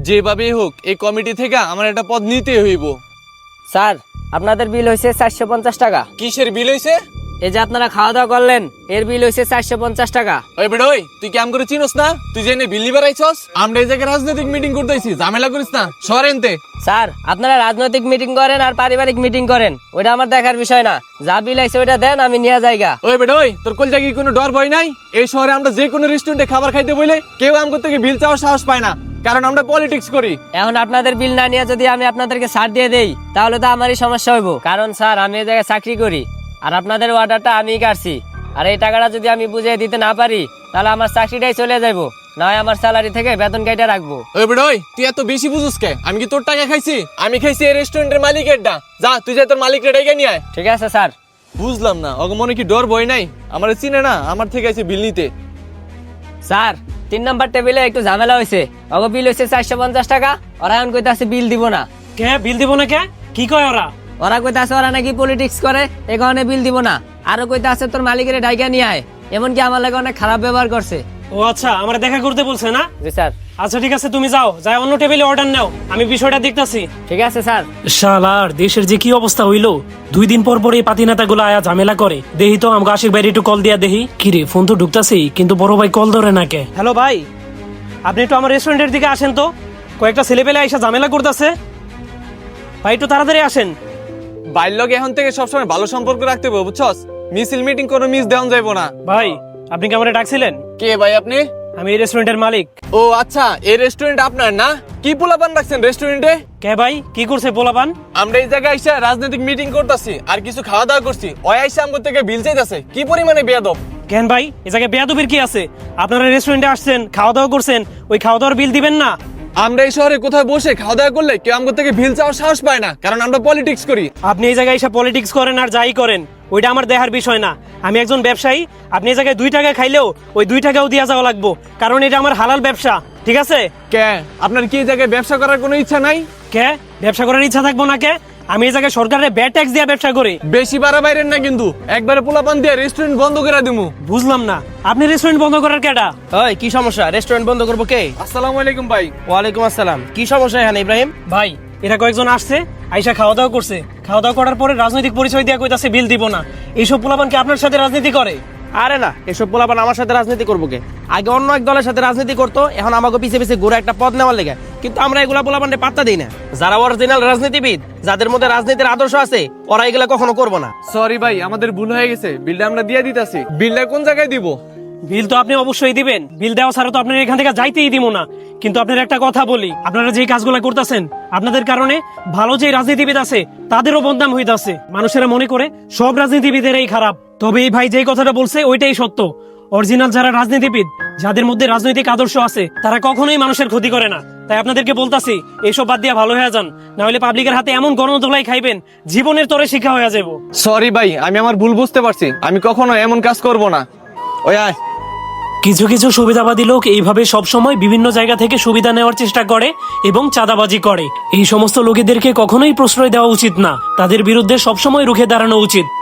যেভাবেই হোক এই কমিটি থেকে আমার একটা পদ নিতে হইব। স্যার আপনাদের বিল হয়েছে 450 টাকা। কিসের বিল হইছে? এই যে আপনারা খাওয়া দাওয়া করলেন এর বিল হয়েছে 450 টাকা। ওই বেড়ই, তুই কেমন করে চিনোস না? তুই জেনে বিল নিবার আইছস? আমরা এই জায়গায় রাজনৈতিক মিটিং করতেছি, ঝামেলা করিস না, সরেনতে। স্যার আপনারা রাজনৈতিক মিটিং করেন আর পারিবারিক মিটিং করেন, ওইটা আমার দেখার বিষয় না। যা বিল আইছে ওইটা দেন, আমি নিয়ে যাইগা। ওই বেড়ই, তোর কল জায়গায় কোনো ডর ভয় নাই? এই শহরে আমরা যে কোনো রেস্টুরেন্টে খাবার খাইতে বলে কেউ আমগো থেকে বিল চাওয়ার সাহস পায় না, কারণ আমরা পলিটিক্স করি। এখন আপনাদের বিল না নিয়ে যদি আমি আপনাদেরকে ছাড় দিয়ে দেই তাহলে তো আমারই সমস্যা হইব, কারণ স্যার আমি এই জায়গায় চাকরি করি আর আপনাদের অর্ডারটা আমিই কাটছি। আর এই টাকাটা যদি আমি বুঝিয়ে দিতে না পারি তাহলে আমার চাকরিটাই চলে যাবো, না হয় আমার স্যালারি থেকে বেতন কেটে রাখবো। ওই বেড়ই, তুই এত বেশি বুঝুস কে? আমি কি তোর টাকা খাইছি? আমি খাইছি এই রেস্টুরেন্টের মালিকেরটা। যা তুই যা তোর মালিকের ডেকে নিয়ে আয়। ঠিক আছে স্যার। বুঝলাম না, ওকে মনে কি ডর ভয় নাই? আমার চিনে না, আমার থেকে আছে বিল নিতে। স্যার 3 নম্বর টেবিলে একটু ঝামেলা হয়েছে, ওগো বিল হয়েছে 450 টাকা। ওরা এখন কইতাছে বিল দিব না। কে বিল দিব না? কে কি কয় ওরা? ওরা কইতাছে ওরা নাকি পলিটিক্স করে, এই কারণে বিল দিব না। আরো কইতাছে তোর মালিকের ডাইকা নিয়ে আয়, এমনকি আমার লাগে অনেক খারাপ ব্যবহার করছে। ও আচ্ছা, আমরা দেখা করতে বলছে না? জি স্যার। আচ্ছা ঠিক আছে, তুমি যাও, যাই অন্য টেবিলে অর্ডার নাও, আমি বিষয়টা দেখতাছি। ঠিক আছে স্যার। শালার দেশের যে কি অবস্থা হইলো, 2 দিন পর পর এই পাতি নেতাগুলো আয়া ঝামেলা করে। দেহি তো আমাকে আশিক ভাই একটু কল দিয়া দেহি। কিরে ফোন তো ঢুকতাছেই, কিন্তু বড় ভাই কল ধরে না কে? হ্যালো ভাই, আপনি একটু আমার রেস্টুরেন্টের দিকে আসেন তো, কয়েকটা ছেলেপেলে আইসা ঝামেলা করতেছে। ভাই একটু তাড়াতাড়ি আসেন। বাইর লগে এখন থেকে সবসময় ভালো সম্পর্ক রাখতে হবে, বুঝছস? মিছিল মিটিং কোনো মিস দেওয়া যাইবো না। ভাই আপনি কি আমারে ডাকছিলেন? কে ভাই আপনি? আমি এই রেস্টুরেন্টের মালিক। ও আচ্ছা, এই রেস্টুরেন্ট আপনার না? কি পোলাপান রাখছেন রেস্টুরেন্টে? কে ভাই কি করছে পোলাপান? আমরা এই জায়গায় আইসা রাজনৈতিক মিটিং করতেছি আর কিছু খাওয়া দাওয়া করছি, ওই আইসা আমগো থেকে বিল চাইতাছে। কি পরিমাণে বেয়াদব! কেন ভাই এই জায়গায় বেয়াদবির কি আছে? আপনারা রেস্টুরেন্টে আসছেন, খাওয়া দাওয়া করছেন, ওই খাওয়া দাওয়ার বিল দিবেন না? আমরা এই শহরে কোথাও বসে খাওয়া দাওয়া করলে কেউ আমগো থেকে বিল চাওয়ার সাহস পায় না, কারণ আমরা পলিটিক্স করি। আপনি এই জায়গায় এসে পলিটিক্স করেন আর যাই করেন, ওইটা আমার দেখার বিষয় না। আমি একজন ব্যবসায়ী, আপনি এই জায়গায় 2 টাকা খাইলেও ওই 2 টাকাও দিয়া যাওয়া লাগবো, কারণ এটা আমার হালাল ব্যবসা, ঠিক আছে? কে আপনার কি এই জায়গায় ব্যবসা করার কোনো ইচ্ছা নাই? কে ব্যবসা করার ইচ্ছা থাকবো না কে? আমি এই জায়গায় সরকারের ব্যাড ট্যাক্স দিয়ে ব্যবসা করি। বেশি বাড়াবাইরেন না কিন্তু, একবারে পোলাপান দিয়ে রেস্টুরেন্ট বন্ধ করে দিমু। বুঝলাম না, আপনি রেস্টুরেন্ট বন্ধ করার কেডা? ওই কি সমস্যা? রেস্টুরেন্ট বন্ধ করবো কে? আসসালামু আলাইকুম ভাই। ওয়ালাইকুম আসসালাম। কি সমস্যা এখানে ইব্রাহিম? ভাই এরা কয়েকজন আসছে, আইসা খাওয়া দাওয়া করছে, খাওয়া দাওয়া করার পরে রাজনৈতিক পরিচয় দিয়ে কইতাছে বিল দিব না। এইসব পোলাপান কি আপনার সাথে রাজনীতি করে? আরে না, এসব পোলাপান আমার সাথে রাজনীতি করবো কে? আগে অন্য এক দলের সাথে রাজনীতি করতো, এখন আমাকে পিছে পিছে ঘুরে একটা পদ নেওয়ার লেগে। কিন্তু আমরা এগুলা পোলাপানকে পাত্তা দিই না। যারা অরিজিনাল রাজনীতিবিদ, যাদের মধ্যে রাজনীতির আদর্শ আছে, ওরা এগুলা কখনো করবো না। সরি ভাই, আমাদের ভুল হয়ে গেছে, বিলটা আমরা দিয়ে দিতাছি। বিলটা কোন জায়গায় দিব? বিল তো আপনি অবশ্যই দিবেন, বিল দেওয়া ছাড়া তো আপনার এখান থেকে যাইতেই দিব না। কিন্তু আপনার একটা কথা বলি, আপনারা যে কাজগুলো করতেছেন, আপনাদের কারণে ভালো যে রাজনীতিবিদ আছে তাদেরও বদনাম হইতাছে। মানুষেরা মনে করে সব রাজনীতিবিদেরই খারাপ, তবে এই ভাই যে কথাটা বলছে ওইটাই সত্য। অরিজিনাল যারা রাজনীতিবিদ, যাদের মধ্যে রাজনৈতিক আদর্শ আছে, তারা কখনোই মানুষের ক্ষতি করে না। তাই আপনাদেরকে বলতাছি, এইসব বাদ দিয়ে ভালো হয়ে যান, না হলে পাবলিকের হাতে এমন গণধোলাই খাইবেন, জীবনের তরে শিক্ষা হয়ে যাব। সরি ভাই, আমি আমার ভুল বুঝতে পারছি, আমি কখনো এমন কাজ করব না। ওই আয়। কিছু কিছু সুবিধাবাদী লোক এইভাবে সবসময় বিভিন্ন জায়গা থেকে সুবিধা নেওয়ার চেষ্টা করে এবং চাঁদাবাজি করে। এই সমস্ত লোকেদেরকে কখনোই প্রশ্রয় দেওয়া উচিত না, তাদের বিরুদ্ধে সবসময় রুখে দাঁড়ানো উচিত।